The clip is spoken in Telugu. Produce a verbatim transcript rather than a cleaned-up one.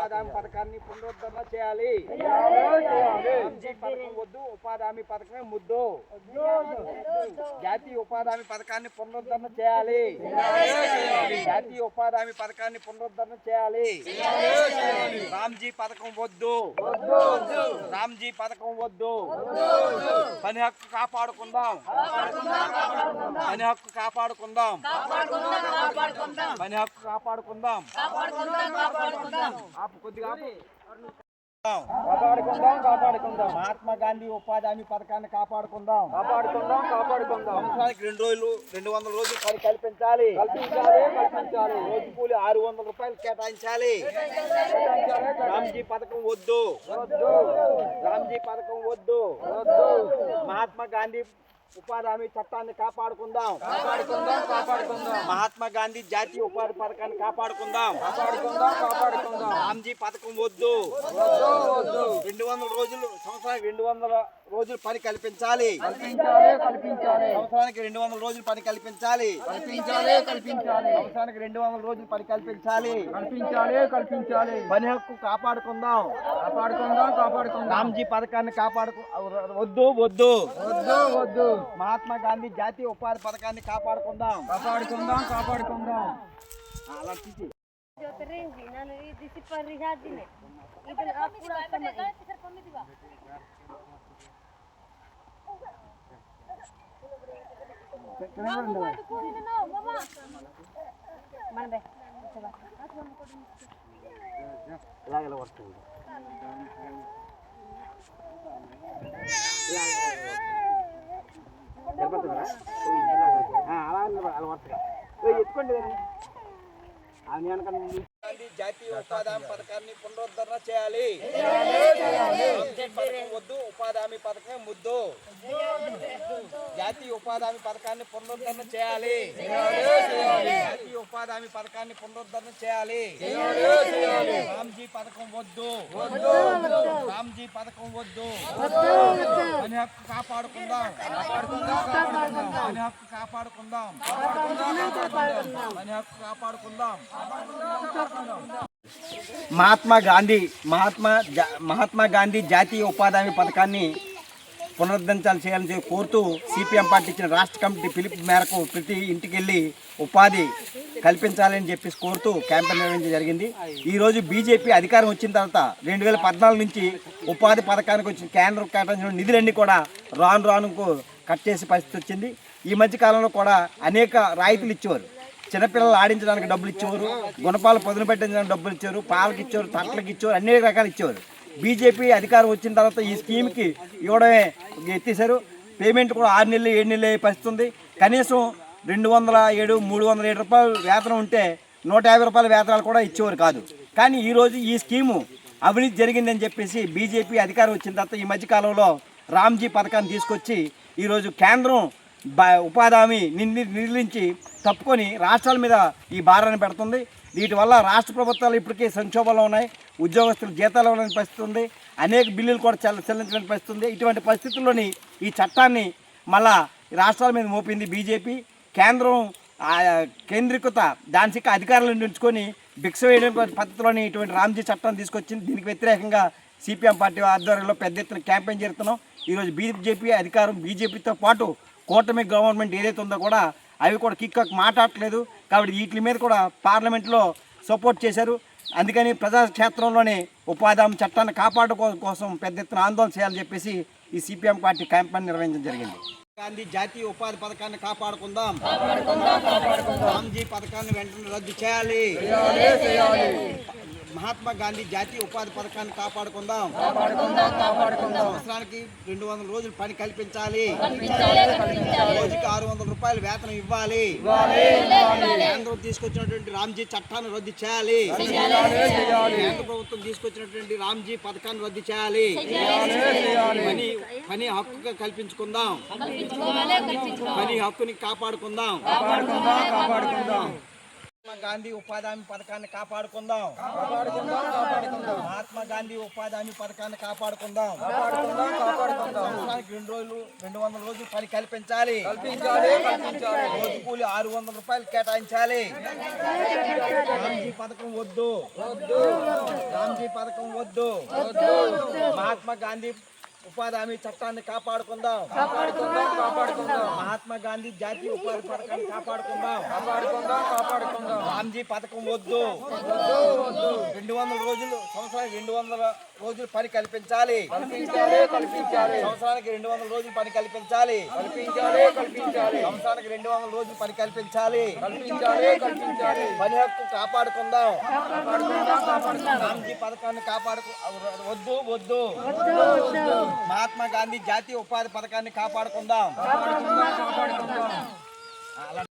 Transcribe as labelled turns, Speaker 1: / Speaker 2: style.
Speaker 1: ఉపాధి హామీ పథకాన్ని పునరుద్ధరణ చేయాలి. పథకం వద్దు, ఉపాధి హామీ పథకమే ముద్దు. జాతీయ ఉపాధి హామీ పథకాన్ని పునరుద్ధరణ చేయాలి. జాతీయ ఉపాధి హామీ పథకాన్ని పునరుద్ధరణ చేయాలి. రామ్జీ పథకం వద్దు, రామ్జీ పథకం వద్దు. పని హక్కు కాపాడుకుందాం, పని హక్కు కాపాడుకుందాం, పని హక్కు కాపాడుకుందాం. ఆపు కొద్దిగా కాపాడుకుందాం, కాపాడుకుందాం. మహాత్మా గాంధీ ఉపాధి హామీ పథకాన్ని కాపాడుకుందాం, కాపాడుకుందాం, కాపాడుకుందాం. సంవత్సరానికి రెండు రోజులు రెండు వందల రోజులు పని కల్పించాలి, కల్పించాలి, కల్పించాలి. రోజు కూలి ఆరు వందల రూపాయలు కేటాయించాలి. రామ్జీ పథకం వద్దు, వద్దు. రామ్జీ పథకం వద్దు, వద్దు. మహాత్మా గాంధీ ఉపాధి హామీ చట్టాన్ని కాపాడుకుందాం, కాపాడుకుందాం, కాపాడుకుందాం. మహాత్మా గాంధీ జాతీయ ఉపాధి పథకాన్ని కాపాడుకుందాం, కాపాడుకుందాం, కాపాడుకుందాం. రామ్జీ పథకం వద్దు, వద్దు. రెండు వందల రోజులు సంవత్సరానికి రెండు వందల రోజులు పని కల్పించాలి, కల్పించాలి, కల్పించాలి. సంవత్సరానికి రెండు వందల రోజులు పని కల్పించాలి, కల్పించాలి, కల్పించాలి. సంవత్సరానికి రెండు వందల రోజులు పని కల్పించాలి, కల్పించాలి, కల్పించాలి. పని హక్కు కాపాడుకుందాం, కాపాడుకుందాం, కాపాడుకుందాం. రామ్జీ పథకాన్ని కాపాడుకు వద్దు, వద్దు, వద్దు, వద్దు. మహాత్మా గాంధీ జాతీయ ఉపాధి పథకాన్ని కాపాడుకుందాం, కాపాడుకుందాం, కాపాడుకుందాం. అలా తీసి ఇలాగ వస్తుంది. ఎత్తుకోండి జాతీయ ఉపాధి హామీ పథకాన్ని పునరుద్ధరణ చేయాలి. వద్దు, ఉపాధి హామీ పథకమే ముద్దు. జాతీయ ఉపాధి హామీ పథకాన్ని పునరుద్ధరణ చేయాలి. జాతీయ ఉపాధి హామీ పథకాన్ని పునరుద్ధరణ చేయాలి. రామ్జీ పథకం వద్దు, రామ్జీ పథకం వద్దు. పని హక్కు కాపాడుకుందాం, పని హక్కు కాపాడుకుందాం, పని హక్కు కాపాడుకుందాం. మహాత్మా గాంధీ మహాత్మా మహాత్మా గాంధీ జాతీయ ఉపాధి హామీ పథకాన్ని పునరుద్ధరించాలి చేయాలని కోరుతూ సిపిఎం పార్టీ ఇచ్చిన రాష్ట్ర కమిటీ పిలుపు మేరకు ప్రతి ఇంటికి వెళ్ళి ఉపాధి కల్పించాలని చెప్పేసి కోరుతూ క్యాంపెయిన్ నిర్వహించడం జరిగింది. ఈరోజు బీజేపీ అధికారం వచ్చిన తర్వాత రెండు వేల పద్నాలుగు నుంచి ఉపాధి పథకానికి వచ్చిన కేంద్రం కేటాయించిన నిధులన్నీ కూడా రాను రానుకు కట్ చేసే పరిస్థితి వచ్చింది. ఈ మధ్య కాలంలో కూడా అనేక రాయితీలు ఇచ్చేవారు. చిన్నపిల్లలు ఆడించడానికి డబ్బులు ఇచ్చేవారు, గుణపాలు పదును పెట్టించడానికి డబ్బులు ఇచ్చేవారు, పాలకి ఇచ్చేవారు, తట్లకి ఇచ్చేవారు, అనేక రకాలు ఇచ్చేవారు. బీజేపీ అధికారం వచ్చిన తర్వాత ఈ స్కీమ్కి ఇవ్వడమే ఎత్తేసారు. పేమెంట్ కూడా ఆరు నెలలు ఏడు నెలలు పరిస్థితి ఉంది. కనీసం రెండు వందల ఏడు మూడు వందల ఏడు రూపాయలు వేతనం ఉంటే నూట యాభై రూపాయల వేతనాలు కూడా ఇచ్చేవారు కాదు. కానీ ఈరోజు ఈ స్కీము అవినీతి జరిగిందని చెప్పేసి బీజేపీ అధికారం వచ్చిన తర్వాత ఈ మధ్యకాలంలో రామ్జీ పథకాన్ని తీసుకొచ్చి ఈరోజు కేంద్రం ఉపాధి హామీ నిర్ణయించి తప్పుకొని రాష్ట్రాల మీద ఈ భారాన్ని పెడుతుంది. వీటి వల్ల రాష్ట్ర ప్రభుత్వాలు ఇప్పటికే సంక్షోభంలో ఉన్నాయి. ఉద్యోగస్తులు జీతాలు ఇవ్వలేని పరిస్థితి ఉంది. అనేక బిల్లులు కూడా చెల్ల చెల్లించలేని పరిస్థితి ఉంది. ఇటువంటి పరిస్థితుల్లోని ఈ చట్టాన్ని మళ్ళా రాష్ట్రాల మీద మోపింది బీజేపీ. కేంద్రం కేంద్రీకృత దానికి అధికారులను ఉంచుకొని భిక్ష వేయడం పద్ధతిలోని ఇటువంటి రామ్జీ చట్టాన్ని తీసుకొచ్చింది. దీనికి వ్యతిరేకంగా సిపిఎం పార్టీ ఆధ్వర్యంలో పెద్ద ఎత్తున క్యాంపెయిన్ జరుగుతున్నాం. ఈరోజు బీజేపీ అధికారం బీజేపీతో పాటు కూటమి గవర్నమెంట్ ఏదైతే ఉందో కూడా అవి కూడా కిక్ మాట్లాడట్లేదు. కాబట్టి వీటి మీద కూడా పార్లమెంట్లో సపోర్ట్ చేశారు. అందుకని ప్రజాక్షేత్రంలోనే ఉపాధి హామీ చట్టాన్ని కాపాడుకోవడం కోసం పెద్ద ఎత్తున ఆందోళన చేయాలని చెప్పేసి ఈ సిపిఎం పార్టీ క్యాంపెయిన్ నిర్వహించడం జరిగింది. గాంధీ జాతీయ ఉపాధి పథకాన్ని కాపాడుకుందాం, రామ్జీ పథకాన్ని వెంటనే రద్దు చేయాలి. మహాత్మా గాంధీ జాతీయ ఉపాధి పథకాన్ని కాపాడుకుందాం, సంవత్సరానికి రెండు వందల రోజులు పని కల్పించాలి. రోజుకి ఆరు వందల రూపాయలు వేతనం ఇవ్వాలి. కేంద్రం తీసుకొచ్చినటువంటి రామ్జీ చట్టాన్ని రద్దు చేయాలి. కేంద్ర ప్రభుత్వం తీసుకొచ్చినటువంటి రామ్జీ పథకాన్ని రద్దు చేయాలి. పని పని హక్కు కల్పించుకుందాం, పని హక్కుని కాపాడుకుందాం. మహాత్మా గాంధీ ఉపాధి హామీ పథకాన్ని కాపాడుకుందాం, మహాత్మా గాంధీ ఉపాధి హామీ పథకాన్ని కాపాడుకుందాం. సంవత్సరానికి రెండు రోజులు రెండు వందల రోజులు పని కల్పించాలి. రోజు కూలి ఆరు వందల రూపాయలు కేటాయించాలి. రామ్జీ పథకం వద్దు, రామ్జీ రామ్జీ పథకం వద్దు, మహాత్మా గాంధీ ఉపాధి హామీ చట్టాన్ని కాపాడుకుందాం, కాపాడుకుందాం కాపాడుకుందాం మహాత్మా గాంధీ జాతీయ ఉపాధి పథకాన్ని కాపాడుకుందాం, కాపాడుకుందాం కాపాడుకుందాం రామ్జీ పథకం వద్దు, రెండు వందల రోజులు సంవత్సరానికి రెండు వందల రోజులు పని కల్పించాలి, కల్పించాలి కల్పించాలి సంవత్సరానికి రెండు వందల రోజులు పని కల్పించాలి, కల్పించాలి కల్పించాలి సంవత్సరానికి రెండు వందల రోజులు పని కల్పించాలి, కల్పించాలి కల్పించాలి పని హక్కు కాపాడుకుందాం, కాపాడుకుందాం కాపాడుకుందాం రామ్జీ పథకాన్ని కాపాడుకు వద్దు వద్దు మహాత్మా గాంధీ జాతీయ ఉపాధి పథకాన్ని కాపాడుకుందాం.